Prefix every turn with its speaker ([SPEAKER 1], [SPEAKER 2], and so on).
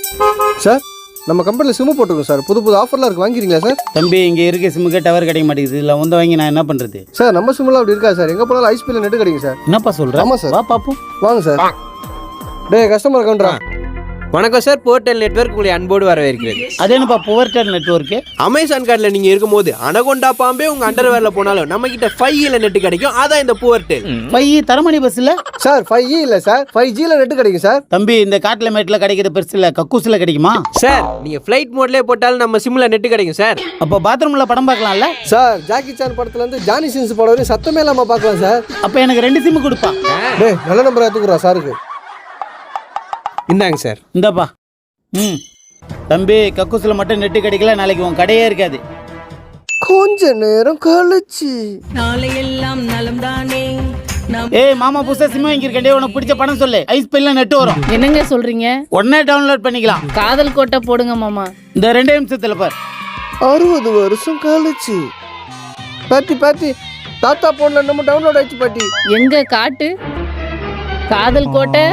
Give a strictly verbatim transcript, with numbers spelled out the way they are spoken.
[SPEAKER 1] Sir நம்ம கம்பெனியில் sim போட்டுருக்கோம் சார். புது புது ஆஃபர்லாம் இருக்குது, வாங்கிக்கிறீங்களா சார்?
[SPEAKER 2] தம்பி இங்கே இருக்க சிம்முக்கே டவர் கிடைக்க மாட்டேங்குது. இல்லை வந்து வாங்கி நான் என்ன பண்ணுறது?
[SPEAKER 1] சார் நம்ம சிம்மெலாம் அப்படி இருக்கா சார்? எங்கே போனாலும் ஐஸ்பியில் நெட்டு கிடைக்கும் சார்.
[SPEAKER 2] என்னப்பா சொல்கிறேன்?
[SPEAKER 1] ஆமாம் சார்.
[SPEAKER 2] வா பார்ப்போம்.
[SPEAKER 1] வாங்க சார். டே கஸ்டமர் கவுண்டரா.
[SPEAKER 3] வணக்கம் சார், போர்டெல் நெட்வொர்க் உங்களை அன்போடு வரவேற்கிறது.
[SPEAKER 2] அது என்னப்பா புவர்டெல் நெட்வொர்க்கு?
[SPEAKER 3] அமேசான் கார்டில் நீங்கள் இருக்கும்போது அனகொண்டா பாம்பே உங்கள் அண்டர்வேரில் போனாலும் நம்ம கிட்ட ஃபைவ் இல நெட் கிடைக்கும். அதான் இந்த புவர்டெல்.
[SPEAKER 2] ஃபைவ் தரமணி பஸ் இல்லை
[SPEAKER 1] சார்? ஃபைவ் இ இல்லை சார், ஃபைவ் ஜியில் நெட்டு கிடைக்கும் சார்.
[SPEAKER 2] தம்பி இந்த காட்டில் மேட்டில் கிடைக்கிற பெருசு இல்லை, கக்கூசில் கிடைக்குமா
[SPEAKER 3] சார்? நீங்கள் ஃப்ளைட் மோட்லேயே போட்டாலும் நம்ம சிம்மில் நெட் கிடைக்கும் சார்.
[SPEAKER 2] அப்போ பாத்ரூமில் படம் பார்க்கலாம்ல
[SPEAKER 1] சார்? ஜாக்கி சான் படத்துலேருந்து ஜானி சின்ஸ் படம் வரையும் சத்தமே இல்லாமல் பார்க்கலாம் சார்.
[SPEAKER 2] அப்போ எனக்கு ரெண்டு சிம்மு கொடுப்பா.
[SPEAKER 1] டே நல்ல நம்பர் எடுத்துக்கிறா சாருக்கு.
[SPEAKER 3] இந்தாங்க சார்.
[SPEAKER 2] இந்தாப்பா. ம் தம்பி கக்கூசில் மட்டும் நெட்டு கிடைக்கல, நாளைக்கு உன் கடையே இருக்காது.
[SPEAKER 1] கொஞ்ச நேரம் கழிச்சு
[SPEAKER 4] நாளையெல்லாம் நலம் தானே.
[SPEAKER 2] ஏய் மாமா புதுசா சிம் வாங்கியிருக்கேன், உனக்கு பிடிச்ச படம் சொல்லு. ஐஸ் பெல்ல நெட்டு வரும்.
[SPEAKER 5] என்னங்க சொல்றீங்க?
[SPEAKER 2] உடனே டவுன்லோட் பண்ணிக்கலாம்.
[SPEAKER 5] காதல் கோட்டை போடுங்க மாமா.
[SPEAKER 2] இந்த ரெண்டே நிமிஷத்துல பார்.
[SPEAKER 1] அறுபது வருஷம் கழிச்சு பாட்டி பாட்டி தாத்தா போன்ல நம்ம டவுன்லோட் ஆயிடுச்சு பாட்டி.
[SPEAKER 5] எங்க காட்டு காதல் கோட்டை.